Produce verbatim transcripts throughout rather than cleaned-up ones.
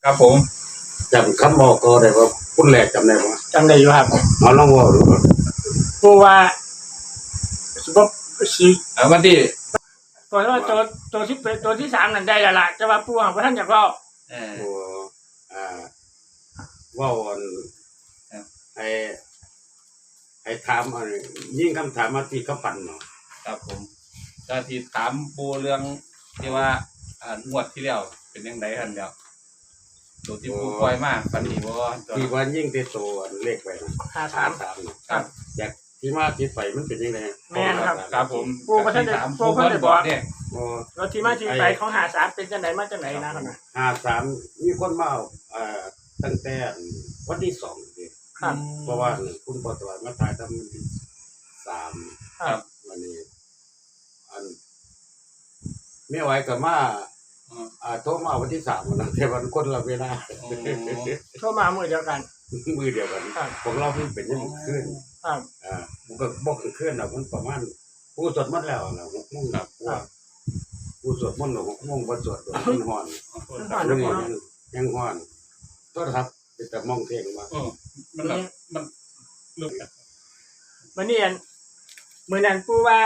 ครับผมจำคำบอกก็ได้ว่าพูดแรกจำได้ว่าจำได้อยู่ครับเอาลองว่าดูผู้ว่าสิบสิเออวันที่ตัวว่าตัวตัวที่เป็นตัวที่สามนั่นได้และล่ะจะว่าผู้ว่าท่านอยากเล่าเออโอ้อ่าว่าวันไอ้ไอ้ถามอะไรยิ่งคำถามมาที่เขาปั่นเนาะครับผมก็ที่ถามปูเรื่องที่ว่าอ่างวดที่แล้วเป็นยังไงกันแล้วตัวที่ปูปล่อยมากปันนี้บ่ที่ว่ายิ่งเตโตเลขไปนะห้าสามสามครับอยากที่มาที่ไปมันเป็นยังไงแม่ครับครับผมปูก็ท่านได้ปูก็ได้บอกเนี่ยโอ้แล้วที่มาที่ไปของหาสามเป็นจังไหนมาจังไหนนะครับห้าสามมีคนมาอ่าตั้งแต่วันที่สองครับเพราะว่าคุณปอตวมาตายทำวันที่สามครับวันนี้อันไม่ไหวกับมาอ่าโทรมาวันที่สามวันนั้นแต่วันคนละเวลาโทรมาเมื่อเดียวกันมือเดียวกันของเราเพิ่งเป็นยังขึ้นครับอ่ามันก็บอกขึ้นอ่ะมันประมาณผู้สวดมนต์แล้วนะหกโมงครับผู้สวดมนต์หกโมงวันสวดมันห่อนยังยังห่อนต้นครับแต่มองเท่งมามันแบบมันลุกวันนี้อันมือนั้นปูว่า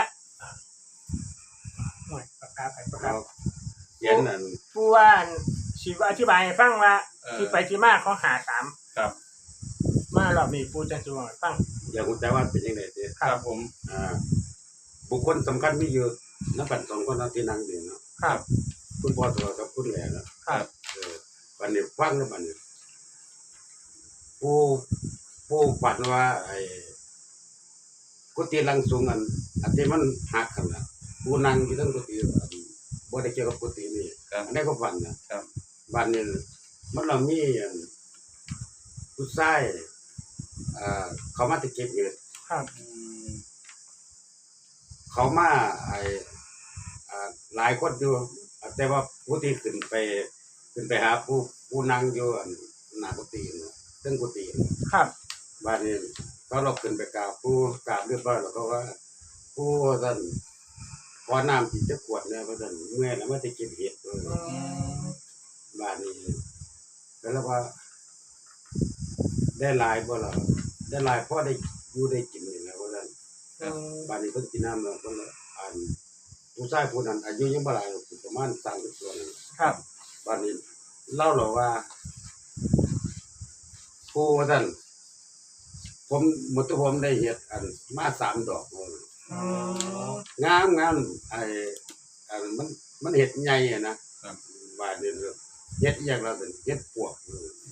หน่อยปากกาไปปากกาเย็นนั่นปูว่าสิอธิบายให้ฟังว่าที่ไปที่มาเขาหาสามครับมารอบนี้ปูจะสอนฟังอยากรู้แต่ว่าเป็นยังไงเจ๊ครับผมอ่าบุคคลสำคัญมีเยอะนักปั่นสองคนที่นั่งอยู่เนาะครับคุณพ่อตัวกับคุณแหล่นะครับเออวันนี้ฟังแล้ววันนี้ผู้ผู้ฝันว่าไอ้กุฏิลังสูงอันอันที่มันหักกันนะผู้นั่งอยู่ทั้งกุฏิบ่ได้เกี่ยวกับกุฏินี่อันนี้ก็ฝันนะครับบ้านนี้มันเรามีผู้ชายอ่าเขามาติดเก็บเงินครับเขามาไอ้อ่าหลายคนอยู่แต่ว่าผู้ที่ขึ้นไปขึ้นไปหาผู้ผู้นั่งอยู่หน้ากุฏินะเรื่องกุฏิครับบ้านนี้ก็เราขึ้นไปกราบผู้กราบเรียบร้อยแล้วก็ว่าผู้ท่านขอน้ำที่จะขวดเนี่ยเพราะท่านเมื่อยแล้วไม่ได้กินเห็ดเลยบ้านนี้แล้วว่าได้ลายบ่เราได้ลายเพราะได้อยู่ได้กินนี่แหละเพราะท่านบ้านนี้เพิ่งกินน้ำแล้วก็อ่านผู้ชายผู้นั้นอายุยังบ่หลายประมาณสามสิบตัวนึงครับบ้านนี้เล่าหรอว่าผู้ท่านผมหมดตัวผมได้เห็ดอันมาสามดอกงามงามไอ้อันมันมันเห็ดใหญ่นะบ้านนี้เห็ดอย่างเราเป็นเห็ดปวก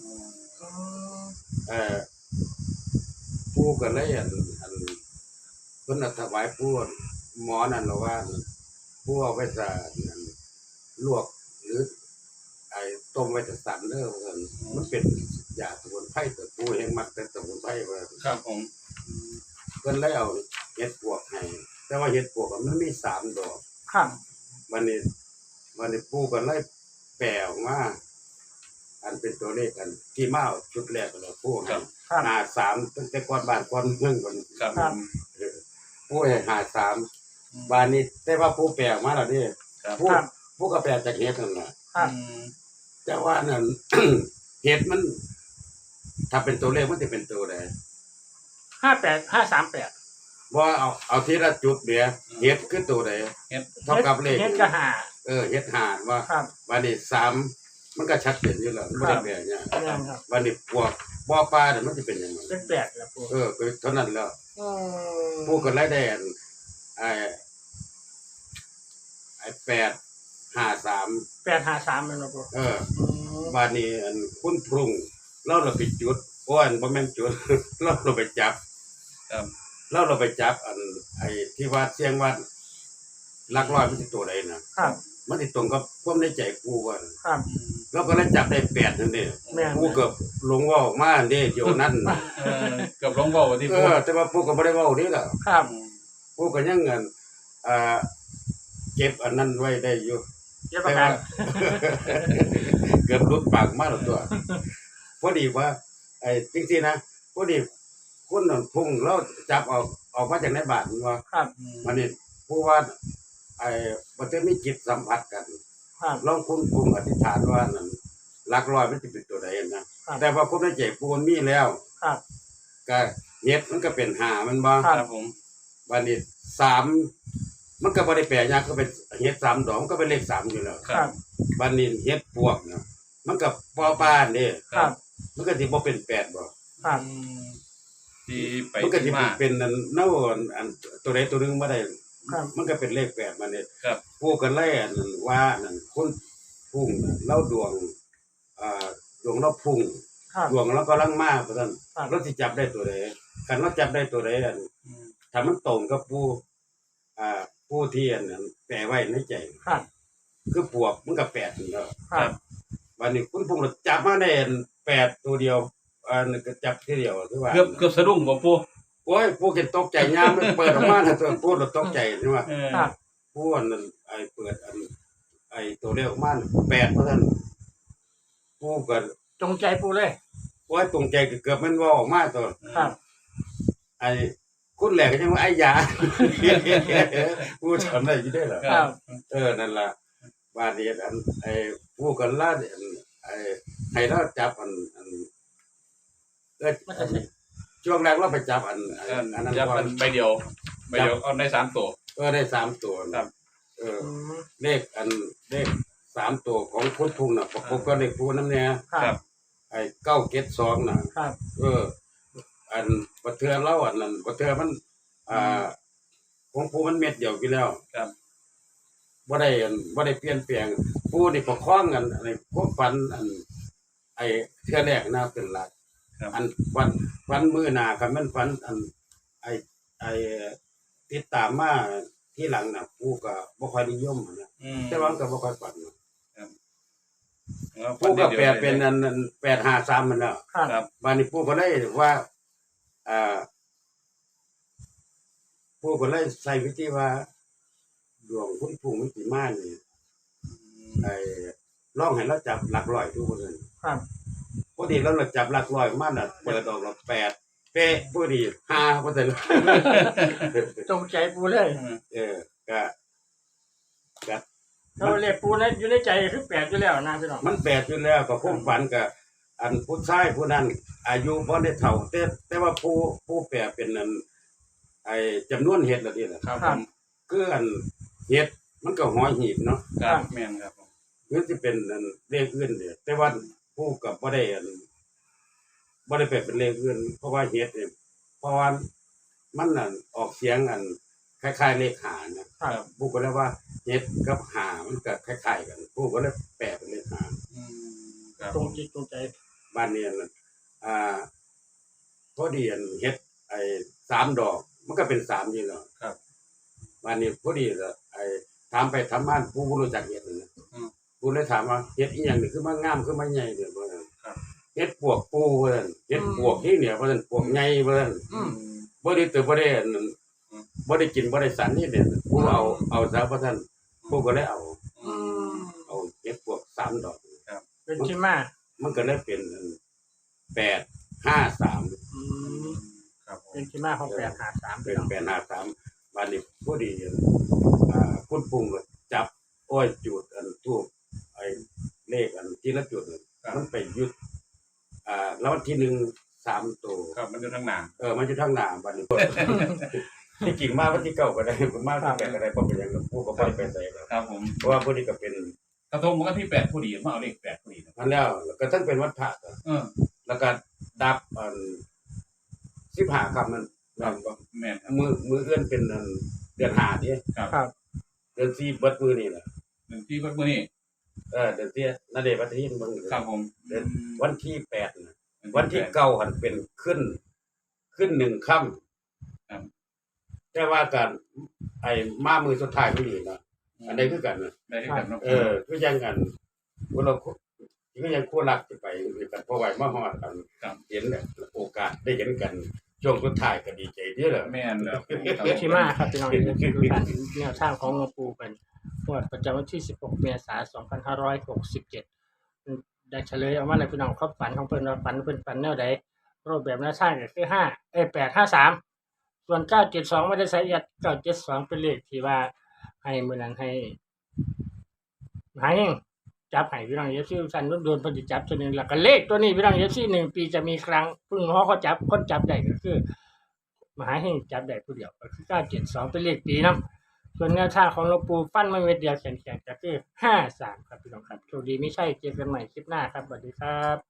เออผู้ก็เลยอันอันเพิ่นถวายผู้หมอนั่นเราว่าผู้เอาไปใส่ลวกหรือไอ้ต้มไว้จะสั่นเด้อมันเป็นยาสมุนไพรแต่ผู้เองมักแต่สมุนไพรว่าครับผมเพิ่นเลยเอาเห็ดปวกให้แต่ว่าเห็ดปวกมันมีสามดอกครับวันนี้วันนี้ผู้ก็เลยแปลออกมาอันเป็นตัวเลขกันที่มาชุดแรกแล้วผู้ให้หาสามตั้งแต่ก่อนบ้านก่อนเมืองก่อนครับผู้ให้หาสามบ้านนี้แต่ว่าผู้แปลออกมาแล้วนี่ผู้ผู้ก็แปลจากเห็ดนั่นแหละแต่ว่านั่น เห็ดมันถ้าเป็นตัวเลขมันจะเป็นตัวใดห้าแปดห้าสามแปดว่าเอาเอาทีละจุดเดียวเห็ดคือตัวใดเห็ดเท่ากับเลขเห็ดก็หาเออเห็ดหาว่าวันนี้สามมันก็ชัดเจนอยู่แล้วไม่ได้แปลเนี่ยวันนี้พวกบ่อปลาเนี่ยมันจะเป็นยังไงเป็นแปดแล้วพวกเออเท่านั้นแล้วพวกกันไล่แดนไอ้ไอ้แปดห้าสามแปดห้าสามเลยนะพวกเออบ้านนี้อันคุณพรุงเราเราไปจุดอ้วนบ่แม่นจุดเราเราไปจับเราเราไปจับอันไอ้ที่วัดเสียงวัดลักลอยมันจะตัวใดนะครับมันติดตรงกับความในใจกูว่าครับเราก็เลยจับได้แปดนั่นเองกูเกือบลงว่าออกมาเด้เดี๋ยวนั้นเกือบลงว่าที่เออแต่ว่ากูก็ไม่ได้ว่านี่แหละครับกูก็ยังเงินอ่าเก็บอันนั้นไว้ได้อยู่เก็บประกันเกือบรุดปากมาแล้วตัวพอดีว่าไอ้จริงๆนะพอดีคนนั่นพุ่งแล้วจับออกออกมาจากในบาทมันว่าครับมันนี่ผู้ว่าไอ้มันจะมีจิตสัมผัสกันลองคุณพุ่งอธิษฐานว่านั่นหลักร้อยมันจะเป็นตัวใดนะครับ แต่ว่าความในใจปูมันมีแล้วครับก็เฮ็ดมันก็เป็นห้ามันบ่ครับครับผมบัดนี้สามมันก็บ่ได้แปลยากก็เป็นเฮ็ดสามดอกมันก็เป็นเลขสามอยู่แล้วครับบัดนี้เฮ็ดปวกเนาะมันก็ปอปานเด้ครับมันก็สิบ่เป็นแปดบ่ครับอืมที่ไปมันก็สิที่มาเป็นอันเนาอันตัวใดตัวหนึงบ่ได้ครับมันก็เป็นเลขแปดมาเนี่ยครับผู้กันเลยอันนั้นว่านั่นคนพุ่งน่ะเล่าดวงอ่าดวงเราพุ่งครับดวงเรากำลังมาเพราะฉะนั้นครับเราสิจับได้ตัวใดคันเราจับได้ตัวใดอันอืมถ้ามันตรงกับผู้อ่าผู้ที่อันนั้นแปลไว้ในใจครับคือปวกมันก็แปดนั่นแหล้วครับวันนี้คุณพุ่งเราจับมาได้อันแปดตัวเดียวอันนก็จับทีเดียวคือว่าเกือบเกือบสะดุ้งบ่ปูโอ้ยผู้เก็นตกใจยามมันเปิดออกมาน่ะตัวพูดเราตกใจใช่ไหมเออครับผู้อันนั้นไอ้เปิดอันไอ้ตัวเลขออกมาน่ะแปดเพราะฉะนั้นผู้ก็จงใจปูเลยโอ้ยตรงใจเกือบมันว่าออกมาตัวครับไอ้คุณแหลกก็ยังว่าไอ้ยา ผู้ทำได้อยี่ได้เหรอครับเออนั่นล่ะว่าเดียอันไอ้ผู้กันล่าอันไอ้ให้เราจับอันอันเอออันช่วงแรกเราไปจับอันอันเอออันนั้นจับก่อเป็น นใบเดียวใบเดียวเอาได้สามตัวก็ได้สามตัวครันะบเอออืมเลขอันเลขสามตัวของคุณทุ่งน่ะประกบกับเลขผู้น้ำเนี่ยครับไอ้เก้าเก็ดสองน่ะครับเออ อันบัดเทือเล่าอันนั้นบัดเทือมัน อ่าของผู้มันเม็ดเดียวกี่แล้วครับบ่ได้อันบ่ได้เปลี่ยนแปลงผู้นี่ประคองกันอะไรพวกฝันอัน ไอ้เทือแรกน่าเป็นหลักครับอันฝันฝันมื้อหน้าคันมันฝันอัน ไอ้ไอ้ติดตามมาที่หลังน่ะผู้ก็บ่ค่อยนิยมนะอืมแต่ว่ามันก็บ่ค่อยฝันนะแล้วผู้ก็แปลดียวเป็นอันอันแปดห้าสามมันแล้วครับครับวันนี้ผู้ก็เลยว่า อ่าผู้ก็เลยใส่วิธีว่า ดวงคุณผู้มิติมานี่ไอ้ลองให้เราจับหลักร้อยทุกคนเลยครับพอดีเราจับหลักร้อยมาน่ะเปิดออกเราแปดเป๊ะพอดีห้าเปอร์เซ็นต์จงใจปูเลยเออก็ก็เราเรียกปูในอยู่ในใจคือแปดอยู่แล้วนะพี่น้องมันแปดอยู่แล้วก็คงฝันกับอันผู้ชายผู้นั้น อายุบ่ได้เท่าแต่แต่ว่าผู้ผู้แปลเป็นอันไอ้จำนวนเห็ดละนี่แหละครับผมคืออันเห็ดมันก็หอยหีบเนาะครับแม่นครับผมคือสิเป็นอันเลขอื่นเด้แต่ว่าผู้กับบ่ได้อันบ่ได้แปลเป็นเลขอื่นเพราะว่าเห็ดเนี่ยเพราะว่ามันนั่นออกเสียงอันคล้ายๆเลขหานะครับ ผู้ก็เลยว่าเห็ดกับหามันก็คล้ายๆกันผู้ก็เลยแปลเป็นเลขหาอืมครับจงจิตจงใจบ้านเนี้นั่นอ่าพอดีอันเฮ็ดไอ้สามดอก มันก็เป็นสามอยู่แล้วครับบ้านนี้พอดีละไอ้ถามไปถามมาผู้บ่รู้จักเฮ็ดนั่นนะอืมผู้เลยถามว่าเฮ็ดอีหยังนี่คือมันงามคือมันใหญ่เด้อบ่นั่นครับเฮ็ดปวกปูว่าซั่นเฮ็ดปวกที่เนี่ยว่าซั่นปวกใหญ่ว่าซั่นอืมบ่ได้ตื่นบ่ได้อันนั้นอืมบ่ได้กินบ่ได้สันนี่เนี่ยผู้เอาเอาซะว่าซั่นผู้ก็เลยเอาอืมเอาเฮ็ดปวกสามดอกเป็นที่มามันก็เลยเป็นอันแปดห้าสามอืมครับผมเป็นที่มาของแปดหาสามเป็พี่นน้องแปดห้าสามวันนี้พอดีอ่าคุณปรุงก็จับอ้อยจุดอันทูบไอ้เลขอันที่ละจุดน่ะครับมันไปยุดอ่าแล้ววันที่หนึ่งสามตัวครับมันอยู่ทางหน้าเออมันจะทั้งหน้าวันนี้ ที่จริงมาวันที่เก้าก็ได้มาวันที่แปดก็ได้เพราะเป็นอย่างนั้นผู้ก็ไม่ได้ไปใส่แล้วครับผมเพราะว่าพอดีก็เป็นกระทงมันก็ที่แปดพอดีมาเอาเลขแปดพอดีนะมันแล้วแล้วก็ทั้งเป็นวันพระก็เออแล้วก็ดับอันสิบห้าคำมันนั่นบ่แม่นครับมือมือเอื้อนเป็นอันเดือนห้านี่ครับครับเดือนสี่เบิดมือนี่แหละหนึ่งที่เพิ่นมื้อนี้เออเดือนที่นาเดชน์วัฒนินเบิ่งครับผมเดือนวันที่แปดนะวันที่เก้าหันเป็นขึ้น ขึ้นหนึ่งค่ำแต่ว่าการไอ้มามือสุดท้ายไม่ดีนะอันใดคือกันนะได้ที่กันเนาะเออคือยังกันว่าเราก็ยังคู่รักจะไปคือกันเพราะว่ามาฮอดกันเห็นเนี่ยโอกาสได้เห็นกันช่วงสุดท้ายก็ดีใจเด้อล่ะแม่นแล้วเป็นที่มาครับพี่น้องนี่คือการแนวทางของหลวงปู่เป็นงวดประจำวันที่สิบหกเมษายนสองพันห้าร้อยหกสิบเจ็ดได้เฉลยออกมาเลยพี่น้องเขาฝันของเพิ่นว่าฝันเพิ่นฝันแนวใดรูปแบบหน้าทางก็คือห้าเอ้ยแปดห้าสามส่วนเก้าเจ็ดสองไม่ได้ใส่เอียดเก้าเจ็ดสองเป็นเลขที่ว่าให้มื้อนั้นให้หายเองจับให้พี่น้องเอฟซีสันโดนๆเพิ่นสิจับตัวหนึงแล้วก็เลขตัวนี้พี่น้องเอฟซีหนึ่งปีจะมีครั้งเพิ่งฮอเขาจับคนจับได้ก็คือมหาเฮงจับได้ผู้เดียวก็คือเก้าเจ็ดสองเป็นเลขปีนำส่วนแนวทางของหลวงปู่ฟันมาเม็ดเดียวแข็งๆก็คือห้าสามครับพี่น้องครับโชคดีไม่ใช่เจอกันใหม่คลิปหน้าครับสวัสดีครับ